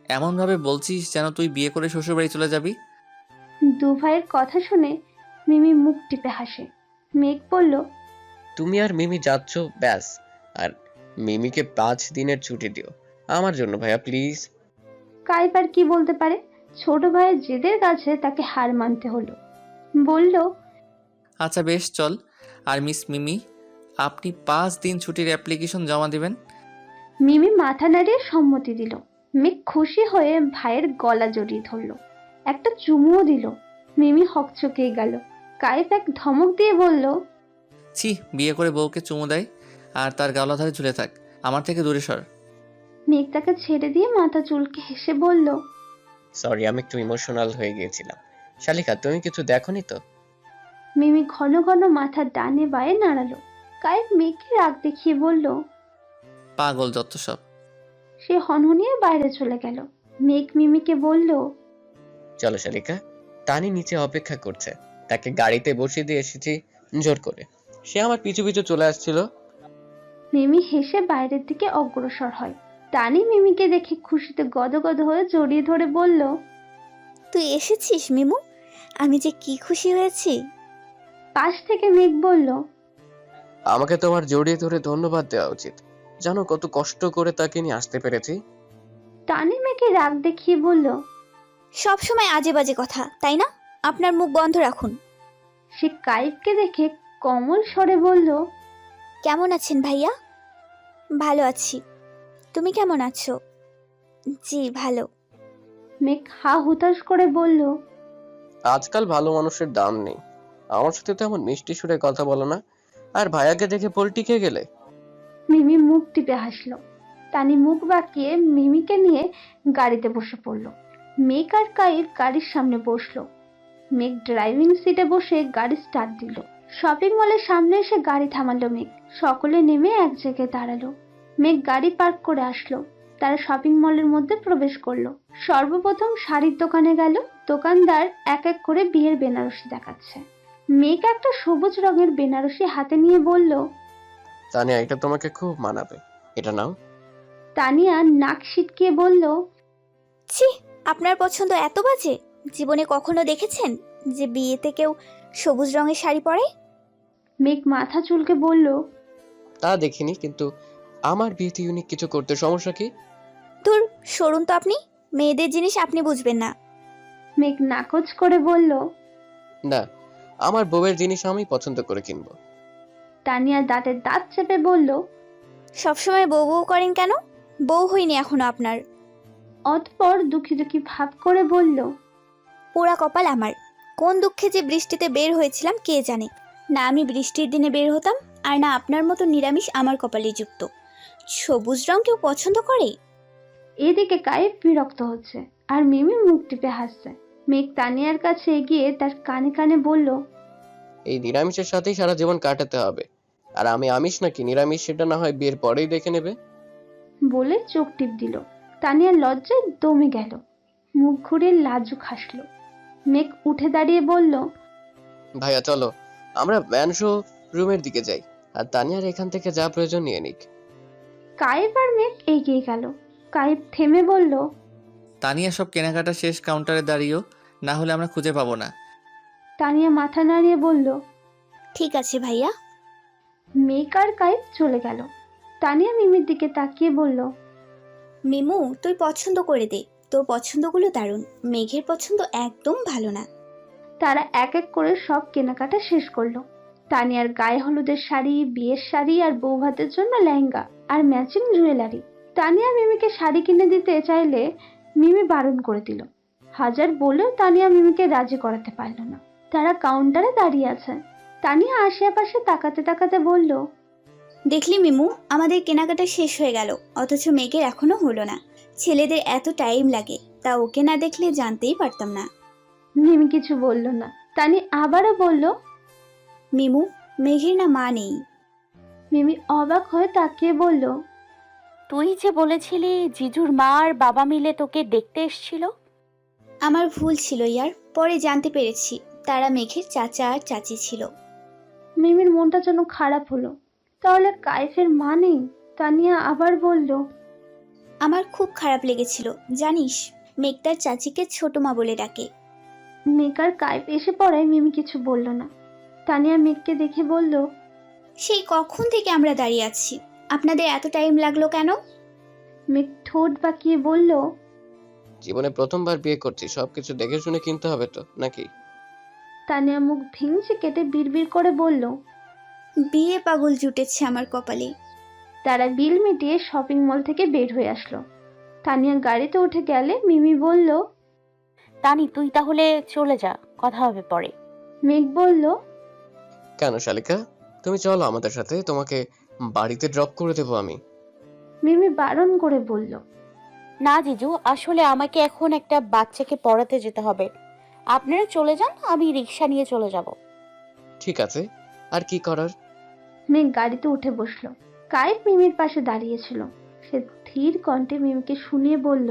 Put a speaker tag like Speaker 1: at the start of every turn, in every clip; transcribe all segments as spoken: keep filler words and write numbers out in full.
Speaker 1: এমনভাবে বলছিস যেন তুই বিয়ে করে শ্বশুরবাড়ি চলে যাবি।
Speaker 2: দু ভাইয়ের কথা শুনে মিমি মুখ টিপে হাসে। মেঘ বলল,
Speaker 3: তুমি আর মিমি যাচ্ছ, ব্যাস। আর মিমিকে পাঁচ দিনের ছুটি দিও আমার জন্য ভাইয়া, প্লিজ।
Speaker 2: কাইফ আর কি বলতে পারে, ছোট ভাইয়ের জেদের কাছে তাকে হার মানতে হলো। বলল,
Speaker 1: আচ্ছা বেশ চল। আর মিস মিমি, আপনি পাঁচ দিন ছুটির অ্যাপ্লিকেশন জমা দিবেন।
Speaker 2: মিমি মাথা নাড়িয়ে সম্মতি দিল। মেঘ খুশি হয়ে ভাইয়ের গলা জড়িয়ে ধরল, একটা চুমুও দিল। মিমি হকচকিয়ে গেল। কাইফ এক ধমক দিয়ে বলল,
Speaker 1: ছি, বিয়ে করে বউকে চুমু দেয় আর তার গালা ধরে ঝুলে থাক, আমার থেকে দূরে সর।
Speaker 2: মেঘ তাকে ছেড়ে দিয়ে মাথা চুলকে হেসে বলল,
Speaker 3: সরি, আমি একটু ইমোশনাল হয়ে গিয়েছিলাম। শালিকা, তুমি কিছু দেখোনি তো?
Speaker 2: মিমি ঘন ঘন মাথা ডানে বায়ে নাড়ালো। কাইফ মেঘকে রাগ দেখিয়ে বলল,
Speaker 1: পাগল যত সব।
Speaker 2: সে হনহনিয়ে বাইরে চলে গেল। মেঘ মিমিকে বলল,
Speaker 3: চলো শালিকা, তানি নিচে অপেক্ষা করছে। তাকে গাড়িতে বসিয়ে দিয়ে এসেছি জোর করে। সে আমার পিছু পিছু চলে আসছিল।
Speaker 2: মিমি হেসে বাইরের দিকে অগ্রসর হয়। টানি মিমিকে দেখে খুশিতে গদগদ হয়ে জড়িয়ে ধরে বলল,
Speaker 4: তুই এসেছিস মিমু, আমি যে কি খুশি হয়েছি।
Speaker 2: পাশ থেকে মেঘ বলল,
Speaker 3: আমাকে তোমার জড়িয়ে ধরে ধন্যবাদ দেওয়া উচিত। জানো কত কষ্ট করে তাকে নিয়ে আসতে পেরেছি।
Speaker 2: টানি মেঘে রাগ দেখিয়ে বলল।
Speaker 4: সব সময় আজে বাজে কথা, তাই না? আপনার মুখ বন্ধ রাখুন।
Speaker 2: সে কাইফকে দেখে কমল স্বরে বলল,
Speaker 4: কেমন আছেন ভাইয়া? ভালো আছি, তুমি কেমন আছো? জি ভালো।
Speaker 2: মেঘ হা হুতাশ করে বলল,
Speaker 3: আজকাল ভালো মানুষের দাম নেই। আমার সাথে তো এমন মিষ্টি সুরে কথা বলো না, আর ভাইয়াকে দেখে পোল্টি খেয়ে গেলে।
Speaker 2: মিমি মুখ টিপে হাসলো। টানি মুখ বাঁকিয়ে মিমিকে নিয়ে গাড়িতে বসে পড়ল। মেঘ আর কাইফ গাড়ির সামনে বসলো। মেঘ ড্রাইভিং সিটে বসে গাড়ি স্টার্ট দিল। শপিং মলের সামনে এসে গাড়ি থামালো মেঘ। সকলে নেমে এক জায়গায় দাঁড়ালো। মেঘ গাড়ি পার্ক করে আসলো। তারা শপিং মলের মধ্যে প্রবেশ করলো। সর্বপ্রথম শাড়ির দোকানে গেল। দোকানদার এক এক করে বিয়ের বেনারসি দেখাচ্ছে। মেঘ একটা সবুজ রঙের বেনারসি হাতে নিয়ে বলল,
Speaker 3: তানিয়া, এটা তোমাকে খুব মানাবে, এটা নাও।
Speaker 2: তানিয়া নাক সিটকিয়ে বলল,
Speaker 4: ছি, আপনার পছন্দ এত বাজে? জীবনে কখনো দেখেছেন যে বিয়েতে কেউ সবুজ রঙের শাড়ি পরে?
Speaker 2: মেঘ মাথা চুলকে বলল,
Speaker 3: তা দেখিনি, কিন্তু আমার বিয়েতে ইউনিক কিছু করতে সমস্যা কি?
Speaker 4: ধুর, সরুন তো আপনি, মেয়েদের জিনিস আপনি বুঝবেন না।
Speaker 2: মেঘ নাকচ করে বলল।
Speaker 3: না, আমার বউয়ের জিনিস আমি পছন্দ করে কিনবো।
Speaker 2: তানিয়া দাঁতের দাঁত চেপে বলল।
Speaker 4: সবসময় বউ বউ করেন কেন? বউ হইনি এখনো আপনার।
Speaker 2: অতঃপর দুঃখী দুঃখী ভাব করে বলল,
Speaker 4: পোড়া কপাল আমার, কোন দুঃখে যে বৃষ্টিতে বের হয়েছিলাম কে জানে। না আমি বৃষ্টির দিনে বের হতাম, আর না আপনার মতো নিরামিষ আমার কপালে যুক্ত। সবুজ রং কেউ পছন্দ করে?
Speaker 2: এদিকে কায়েব বিরক্ত হচ্ছে আর মিমি মুখ টিপে হাসছে। মেঘ তানিয়ার কাছে এগিয়ে তার কানে কানে বলল,
Speaker 3: এই নিরামিষের সাথেই সারা জীবন কাটাতে হবে। আর আমি আমিষ নাকি নিরামিষ সেটা না হয় বিয়ের পরেই দেখে নেবে।
Speaker 2: বলে চোখ টিপ দিল। তানিয়ার লজ্জায় দমে গেল, মুখ ঘুরে লাজুক হাসলো। মেঘ উঠে দাঁড়িয়ে বলল,
Speaker 3: ভাইয়া চলো, আমরা ম্যানশো রুমের দিকে যাই, আর তানিয়ার এখান থেকে যা প্রয়োজন নিয়ে নিক।
Speaker 2: কায়েব আর মেঘ এগিয়ে গেল। কায়েব থেমে বলল,
Speaker 1: তানিয়া সব কেনাকাটা শেষ, কাউন্টারে দাঁড়িয়েও, না হলে আমরা খুঁজে পাবো না।
Speaker 2: তানিয়া মাথা নাড়িয়ে বলল।
Speaker 4: ঠিক আছে ভাইয়া।
Speaker 2: মেঘ আর কায়েব চলে গেল। তানিয়া মিমির দিকে তাকিয়ে বলল,
Speaker 4: মিমু তুই পছন্দ করে দে, তোর পছন্দগুলো দারুণ, মেঘের পছন্দ একদম ভালো না।
Speaker 2: তারা এক এক করে সব কেনাকাটা শেষ করলো। তানিয়ার গায়ে হলুদের শাড়ি, বিয়ের শাড়ি আর বৌভাতের জন্য লেহেঙ্গা আর ম্যাচিং জুয়েলারি। তানিয়া মিমিকে শাড়ি কিনে দিতে চাইলে মিমি বারণ করে দিল। হাজার বলেও তানিয়া মিমিকে রাজি করাতে পারল না। তারা কাউন্টারে দাঁড়িয়ে আছে। তানিয়া আশেপাশে তাকাতে তাকাতে বলল,
Speaker 4: দেখলি মিমু, আমাদের কেনাকাটা শেষ হয়ে গেল, অথচ মেঘের এখনো হলো না। ছেলেদের এত টাইম লাগে, তা ওকে না দেখলে জানতেই পারতাম না।
Speaker 2: মিমি কিছু বলল না। তানি আবারও বলল।
Speaker 4: মিমু, মেঘের না মা নেই।
Speaker 2: মিমি অবাক হয়ে তাকিয়ে বলল,
Speaker 5: তুই যে বলেছিলি জিজুর মা আর বাবা মিলে তোকে দেখতে এসেছিল।
Speaker 4: আমার ভুল ছিল ইয়ার, পরে জানতে পেরেছি তারা মেঘের চাচা আর চাচি ছিল।
Speaker 2: মিমির মনটা যেন খারাপ হলো। তাহলে কাইফের মা নেই? তানিয়া আবার বলল,
Speaker 4: আমার খুব খারাপ লেগেছিল জানিস। মেঘ তার চাচিকে ছোট মা বলে ডাকে।
Speaker 2: মেঘ আর কাইপ এসে পড়ায় মিমি কিছু বলল না। তানিয়া মেঘকে দেখে বলল,
Speaker 4: সেই কখন থেকে আমরা দাঁড়িয়ে আছি, আপনাদের এত টাইম লাগলো কেন?
Speaker 2: মেঘ ঠোঁট বাঁকিয়ে বলল,
Speaker 3: জীবনে প্রথমবার বিয়ে করছি, সবকিছু দেখে শুনে কিনতে হবে তো নাকি?
Speaker 2: তানিয়া মুখ ভেঙচি কেটে বিড়বিড় করে বলল।
Speaker 4: বিয়ে পাগল জুটেছে আমার কপালে।
Speaker 2: তারা বিল মিটিয়ে শপিং মল থেকে বের হয়ে আসলো। তানিয়া গাড়িতে উঠে গেলে মিমি বলল,
Speaker 5: তানি তুই তাহলে চলে যা, কথা হবে পরে।
Speaker 2: মেঘ বলল,
Speaker 3: কেন শালিকা, তুমি চলো আমাদের সাথে, তোমাকে বাড়িতে ড্রপ করে দেবো আমি।
Speaker 2: মিমি বারণ করে বলল,
Speaker 5: না জিজু, আসলে আমাকে এখন একটা বাচ্চাকে পড়াতে যেতে হবে। আপনারা চলে যান, আমি রিক্সা নিয়ে চলে যাব।
Speaker 3: ঠিক আছে, আর কি করার।
Speaker 2: মেঘ গাড়িতে উঠে বসলো। কাইপ মিমির পাশে দাঁড়িয়েছিল। সে ধীর কণ্ঠে মিমিকে শুনিয়ে বলল,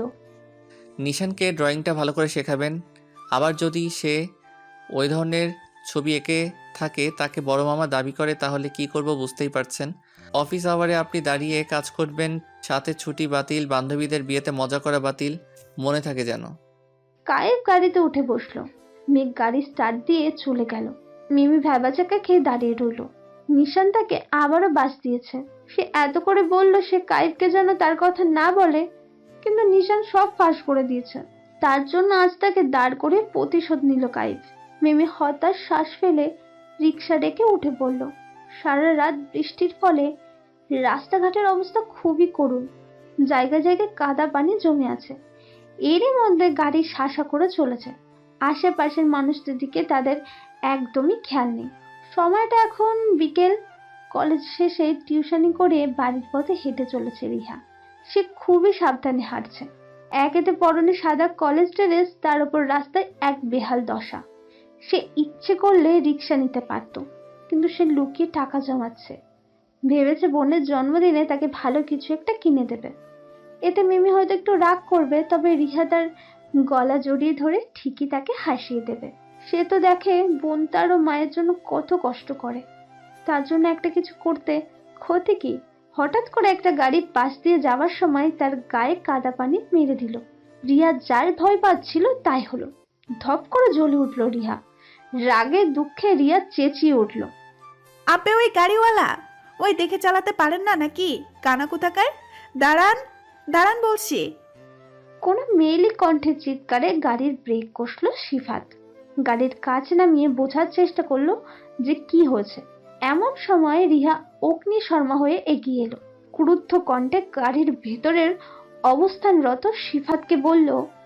Speaker 1: নিশানকে ড্রয়িংটা ভালো করে শেখাবেন। আবার যদি সে ওই ধরনের ছবি এঁকে থাকে, তাকে বড় মামা দাবি করে, তাহলে কি করব বুঝতেই পারছেন। অফিস আওয়ারে আপনি দাঁড়িয়ে কাজ করবেন, সাথে ছুটি বাতিল, বান্ধবীদের বিয়েতে মজা করা বাতিল, মনে থাকে যেন।
Speaker 2: কাইপ গাড়িতে উঠে বসলো। মেঘ গাড়ি স্টার্ট দিয়ে চলে গেল। মিমি ভ্যাবাচাকা খেয়ে দাঁড়িয়ে রইল। নিশান তাকে আবারও বাস দিয়েছে। সে এত করে বলল সে কাইপকে যেন তার কথা না বলে, কিন্তু নিশান সব ফাঁস করে দিয়েছে। তার জন্য আজ তাকে দাঁড় করে প্রতিশোধ নিল কাইপ। মিমি হতাশ শ্বাস ফেলে রিক্সা ডেকে উঠে পড়ল। সারা রাত বৃষ্টির ফলে রাস্তাঘাটের অবস্থা খুবই করুণ। জায়গায় জায়গায় কাদা পানি জমে আছে। এরই মধ্যে গাড়ি শাসা করে চলেছে। আশেপাশের মানুষদের দিকে তাদের একদমই খেয়াল নেই। সময়টা এখন বিকেল। কলেজ শেষে টিউশনি করে বাড়ির পথে হেঁটে চলেছে রিহা। সে খুবই সাবধানে হাঁটছে। একেতে পরনে সাদা কলেজ ড্রেস, তার উপর রাস্তায় এক বেহাল দশা। সে ইচ্ছে করলে রিক্সা নিতে পারত, কিন্তু সে লুকিয়ে টাকা জমাচ্ছে। ভেবেছে বোনের জন্মদিনে তাকে ভালো কিছু একটা কিনে দেবে। এতে মিমি হয়তো একটু রাগ করবে, তবে রিহা তার গলা জড়িয়ে ধরে ঠিকই তাকে হাসিয়ে দেবে। সে তো দেখে বোন তার ও মায়ের জন্য কত কষ্ট করে, তার জন্য একটা কিছু করতে ক্ষতি কি। হঠাৎ করে একটা গাড়ি পাশ দিয়ে যাওয়ার সময় তার গায়ে কাদা পানি মেরে দিল। রিয়া যার ভয় পাচ্ছিল তাই হলো। ধপ করে জ্বলে উঠল রিহা। রাগে দুঃখে রিয়া চেঁচিয়ে উঠল,
Speaker 6: আপে ওই গাড়িওয়ালা, ওই দেখে চালাতে পারেন না নাকি? কানা কোথাকার, দাঁড়ান দাঁড়ান বলছি।
Speaker 2: কোনো মেয়েলি কণ্ঠে চিৎকারে গাড়ির ব্রেক কষল সিফাত। গাড়ির কাছ নামিয়ে বোঝার চেষ্টা করলো যে কি হয়েছে। এমন সময় রিহা অগ্নি শর্মা হয়ে এগিয়ে এলো। ক্রুদ্ধ কণ্ঠে গাড়ির ভেতরের অবস্থানরত সিফাতকে বলল,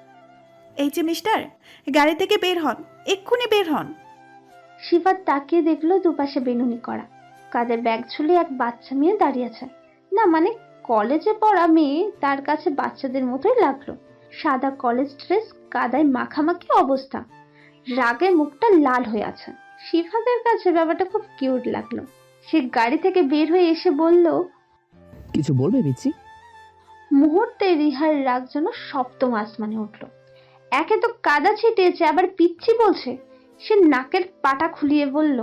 Speaker 6: এই যে মিস্টার, গাড়ি থেকে বের হন, এক্ষুনি বের হন।
Speaker 2: সিফাত তাকিয়ে দেখলো দুপাশে বেনুনি করা। কাঁধে ব্যাগ ঝুলিয়ে এক বাচ্চা মেয়ে দাঁড়িয়ে আছে। না মানে কলেজে পড়া মেয়ে, তার কাছে বাচ্চাদের মতোই লাগলো। সাদা কলেজ ড্রেস, কাদায় মাখামাখি অবস্থা, রাগে মুখটা লাল হয়ে আছে। সিফাতের কাছে ব্যাপারটা খুব কিউট লাগলো। সে গাড়ি থেকে বের হয়ে এসে বলল,
Speaker 7: কিছু বলবে পিচ্ছি?
Speaker 2: মুহূর্তে রিহার রাগ যেন সপ্তম আসমানে উঠল। একে তো কাদা ছিটিয়েছে, আবার পিচ্ছি বলছে। সে নাকের পাটা খুলিয়ে বলল,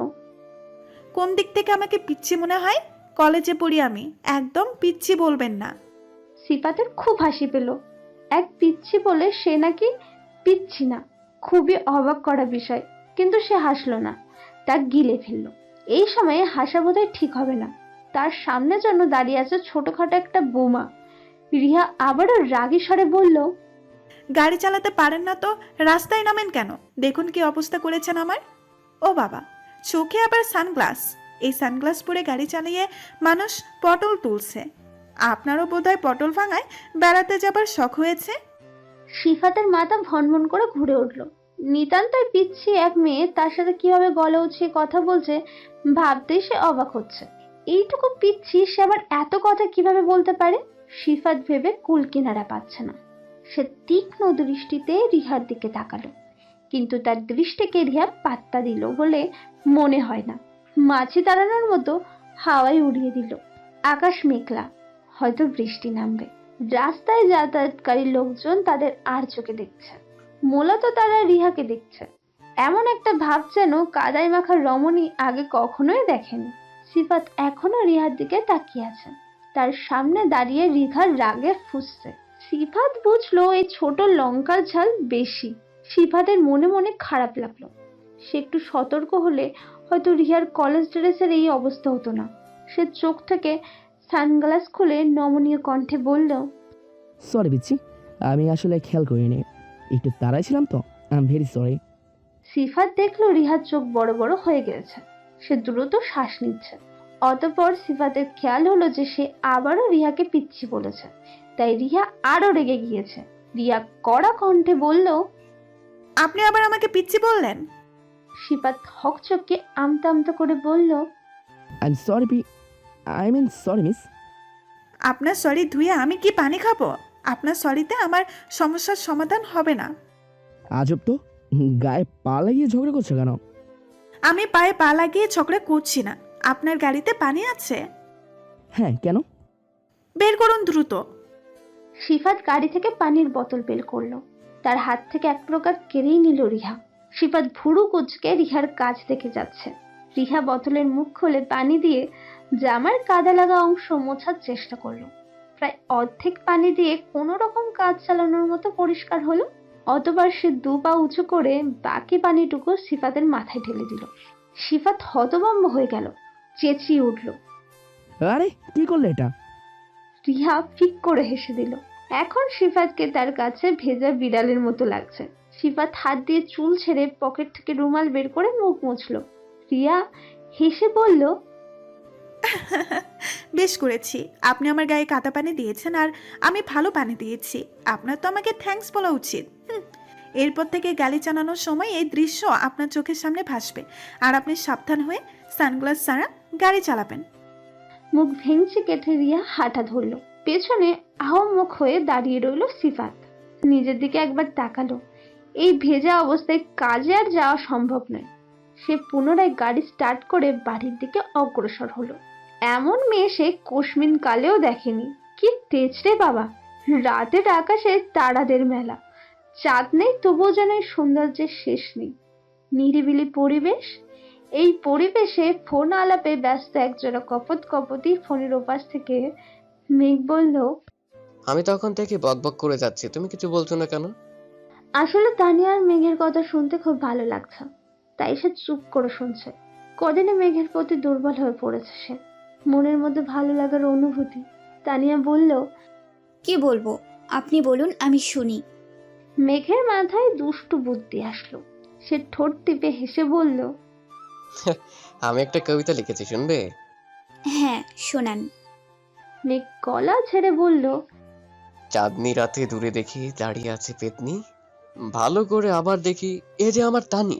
Speaker 6: কোন দিক থেকে আমাকে পিচ্ছি মনে হয়? কলেজে পড়ি আমি, একদম পিচ্ছি বলবেন না।
Speaker 2: সিফাতের খুব হাসি পেল। এক পিচ্ছি বলে সে নাকি পিচ্ছি না, খুবই অবাক করা বিষয়। কিন্তু সে হাসলো না, তা গিলে ফেললো। এই সময়ে হাসা বোধহয় ঠিক হবে না। তার সামনে যেন দাঁড়িয়ে আছে ছোটখাটো একটা বোমা। রিহা আবারও রাগী স্বরে বলল,
Speaker 6: গাড়ি চালাতে পারেন না তো রাস্তায় নামেন কেন? দেখুন কি অবস্থা করেছেন আমার। ও বাবা, চোখে আবার সানগ্লাস। এই সানগ্লাস পরে গাড়ি চালিয়ে মানুষ পটল তুলছে। আপনারও বোধহয় পটল ভাঙায় বেড়াতে যাবার শখ হয়েছে।
Speaker 2: সিফাতের মাথা ভনভন করে ঘুরে উঠল। নিতান্তই পিচ্ছি এক মেয়ে তার সাথে কিভাবে গলা উঠিয়ে কথা বলছে ভাবতেই সে অবাক হচ্ছে। এইটুকু পিচ্ছি সে আবার এত কথা কিভাবে বলতে পারে? সিফাত ভেবে কুল কিনারা পাচ্ছে না। সে তীক্ষ্ণ দৃষ্টিতে রিহার দিকে তাকালো, কিন্তু তার দৃষ্টিকে রিহা পাত্তা দিল বলে মনে হয় না। মাছি তাড়ানোর মতো হাওয়ায় উড়িয়ে দিল। আকাশ মেঘলা, হয়তো বৃষ্টি নামবে। রাস্তায় যাতায়াতকারী লোকজন তাদের আর চোখে দেখছে। মূলত তারা রিহাকে দেখছে। এমন একটা ভাব যেন কাদায় মাখা রমণী আগে কখনোই দেখেনি। সিফাত এখনো রিহার দিকে তাকিয়ে আছে। তার সামনে দাঁড়িয়ে রিহার রাগে ফুঁসছে। সিফাত বুঝলো এই ছোট লঙ্কার ঝাল বেশি। সিফাতের মনে মনে খারাপ লাগলো। সে একটু সতর্ক হলে হয়তো রিহার কলেজ ড্রেসের এই অবস্থা হতো না। সে চোখ থেকে সানগ্লাস খুলে নমনীয় কণ্ঠে বলল,
Speaker 7: সরি বিচ্ছি, আমি আসলে খেয়াল করিনি, একটু তাড়াই ছিলাম তো, I am very sorry.
Speaker 2: Sifat দেখলো রিহার চোখ বড় বড় হয়ে গেছে। সে দ্রুত শ্বাস নিচ্ছে। অতঃপর সিফাতের খেয়াল হলো যে সে আবারও রিহাকে পিচ্ছি বলেছে। তাই রিহা আরো রেগে গিয়েছে। রিয়া কড়া কণ্ঠে বলল,
Speaker 6: আপনি আবার আমাকে পিচ্ছি বললেন?
Speaker 2: সিফাত হকচকে আমতা আমতা করে বলল,
Speaker 7: I am sorry b I mean sorry miss.
Speaker 6: আপনার সরি ধুয়ে আমি কি পানি খাবো? আপনার সরিতে আমার সমস্যার সমাধান হবে না।
Speaker 7: আজব তো, গায়ে পা লাগিয়ে ঝগড়া করছো কেন?
Speaker 6: আমি পায়ে পা লাগিয়ে ঝগড়া করছি না। আপনার গাড়িতে পানি আছে?
Speaker 7: হ্যাঁ, কেন?
Speaker 6: বের করুন দ্রুত।
Speaker 2: সিফাত গাড়ি থেকে পানির বোতল বের করলো। তার হাত থেকে এক প্রকার কেড়েই নিল রিহা। সিফাত ভুরু কুচকে রিহার কাছ থেকে যাচ্ছে। রিহা বোতলের মুখ খুলে পানি দিয়ে জামার কাদা লাগা অংশ মোছার চেষ্টা করলো। প্রায় অর্ধেক পানি দিয়ে কোনো রকম কাজ চালানোর মতো পরিষ্কার হলো। অতবার সে দু পা উঁচু করে বাকি পানিটুকু সিফাতের মাথায় ঢেলে দিল। সিফাত হতভম্ব হয়ে গেল, চেঁচিয়ে উঠল।
Speaker 7: আরে কি করলে এটা?
Speaker 2: রিহা ফিক করে হেসে দিল। এখন সিফাতকে তার কাছে ভেজা বিড়ালের মতো লাগছে। সিফাত হাত দিয়ে চুল ছেড়ে পকেট থেকে রুমাল বের করে মুখ মুছল। রিয়া হেসে বলল,
Speaker 6: বেশ করেছি। আপনি আমার গায়ে কাদা পানি দিয়েছেন আর আমি ভালো পানি দিয়েছি। আপনার তো আমাকে থ্যাঙ্কস বলা উচিত। হুম, এরপর থেকে গাড়ি চালানোর সময় এই দৃশ্য আপনার চোখের সামনে ভাসবে। আর আপনি সাবধান হয়ে সানগ্লাস ছাড়া গাড়ি চালাবেন।
Speaker 2: মুখ ভেঙচি কেটে রিয়া হাঁটা ধরল। পেছনে আহম্মক হয়ে দাঁড়িয়ে রইল সিফাত। নিজের দিকে একবার তাকালো। এই ভেজা অবস্থায় কাজে আর যাওয়া সম্ভব নয়। সে পুনরায় গাড়ি স্টার্ট করে বাড়ির দিকে অগ্রসর হলো। এমন মেয়ে সে কোশমিন কালেও দেখেনি। কি তেজ রে বাবা! রাতের আকাশে তারাদের মেলা। চাঁদ নেই, তবুও যেন এই সৌন্দর্যের শেষ নেই। নিরিবিলি পরিবেশ। এই পরিবেশে ফোন আলাপে ব্যস্ত একজোড়া কপত কপতি ফোনের ওপাশ থেকে মেঘ বলল,
Speaker 3: আমি তখন থেকে বকবক করে যাচ্ছি, তুমি কিছু বলছো না কেন?
Speaker 2: আসলে তানিয়ার মেঘের কথা শুনতে খুব ভালো লাগছে, তাই সে চুপ করে শুনছে। কদিনে মেঘের প্রতি দুর্বল হয়ে পড়েছে সে। মনের মধ্যে ভালো লাগার অনুভূতি। তানিয়া বলল,
Speaker 4: কি বলবো আপনি বলুন, আমি শুনি।
Speaker 2: মেঘের মাথায় দুষ্টু বুদ্ধি আসলো। সে ঠোঁট টিপে হেসে বলল,
Speaker 3: আমি একটা কবিতা লিখেছি, শুনবে?
Speaker 4: হ্যাঁ, শোনান।
Speaker 2: মেঘ গলা ছেড়ে বলল,
Speaker 3: চাঁদনি রাতে দূরে দেখি দাঁড়িয়ে আছে পেতনি, ভালো করে আবার দেখি এ যে আমার তানি।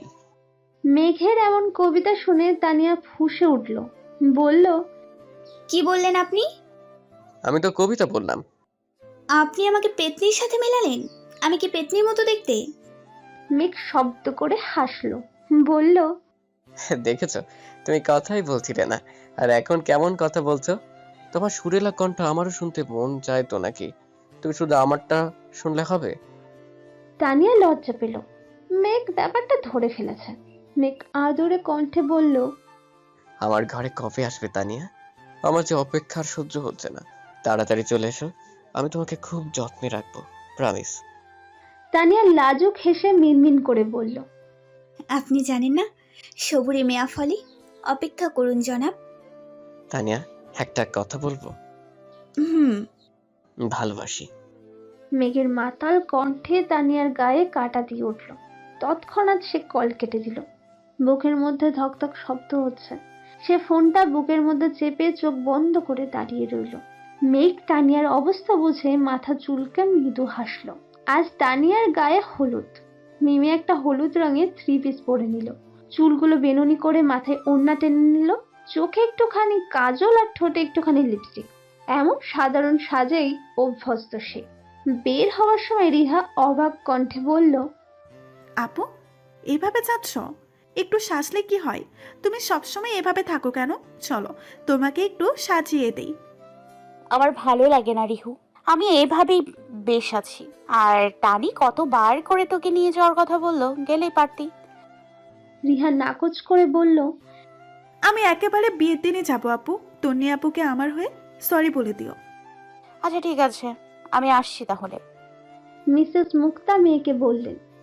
Speaker 2: মেঘের এমন কবিতা শুনে তানিয়া ফুঁসে উঠল। বলল,
Speaker 4: কি বললেন আপনি?
Speaker 3: আমি তো কবিতা বললাম।
Speaker 4: আপনি আমাকে পেতনির সাথে মেলালেন? আমি কি পেতনির মতো দেখতে?
Speaker 2: মেঘ শব্দ করে হাসলো। বলল,
Speaker 3: দেখেছো, তুমি কথাই বলছিলে না, আর এখন কেমন কথা বলছো। তোমার সুরেলা কণ্ঠ আমারও শুনতে মন চায় তো নাকি? তুমি শুধু আমারটা শুনলে হবে?
Speaker 2: তানিয়া লজ্জা পেল। মেঘ ব্যাপারটা ধরে ফেলেছে। মেঘ আদরে কণ্ঠে বলল,
Speaker 3: আমার ঘরে কবে আসবে তানিয়া? আমার যে অপেক্ষার সহ্য হচ্ছে না, তাড়াতাড়ি চলে এসো, আমি তোমাকে খুব যত্নে রাখবো, প্রমিস।
Speaker 2: তানিয়া লাজুক হেসে মিনমিন করে বলল,
Speaker 4: আপনি জানেন না সবুরে মেয়া ফলে। অপেক্ষা করুন জনাব।
Speaker 3: তানিয়া, একটা কথা বলবো?
Speaker 4: হুম।
Speaker 3: ভালোবাসি।
Speaker 2: মেঘের মাতাল কণ্ঠে তানিয়ার গায়ে কাটা দিয়ে উঠল। তৎক্ষণাৎ সে কল কেটে দিল। বুকের মধ্যে ধকধক শব্দ হচ্ছে। সে ফোনটা বুকের মধ্যে চেপে চোখ বন্ধ করে দাঁড়িয়ে রইল। মেঘ তানিয়ার অবস্থা বুঝে মাথা চুলকে মৃদু হাসল। আজ তানিয়ার গায়ে হলুদ। মিমি একটা হলুদ রঙের থ্রি পিস পরে নিল। চুলগুলো বেনুনি করে মাথায় ওড়না টেনে নিল। চোখে একটুখানি কাজল আর ঠোঁটে একটুখানি লিপস্টিক। এমন সাধারণ সাজেই অভ্যস্ত সে। বের হওয়ার সময় রিহা অবাক কণ্ঠে বলল,
Speaker 6: আপু, এভাবে যাচ্ছ? একটু সাজলে কি হয়? তুমি সবসময় এভাবে থাকো কেন? চলো তোমাকে একটু সাজিয়ে দেই।
Speaker 5: আমার ভালো লাগে না রিহু, আমি এভাবেই বেশ আছি। আর টানি কতবার করে তোকে নিয়ে যাওয়ার কথা বললো, গেলেই পারতি।
Speaker 2: রিহা নাকচ করে বলল,
Speaker 6: আমি একেবারে বিয়ের দিনে যাবো আপু। তন্নি আপুকে আমার হয়ে সরি বলে দিও।
Speaker 5: আচ্ছা ঠিক আছে, আমি আসছি তাহলে।
Speaker 2: মিসেস মুক্তা মেয়েকে বললেন।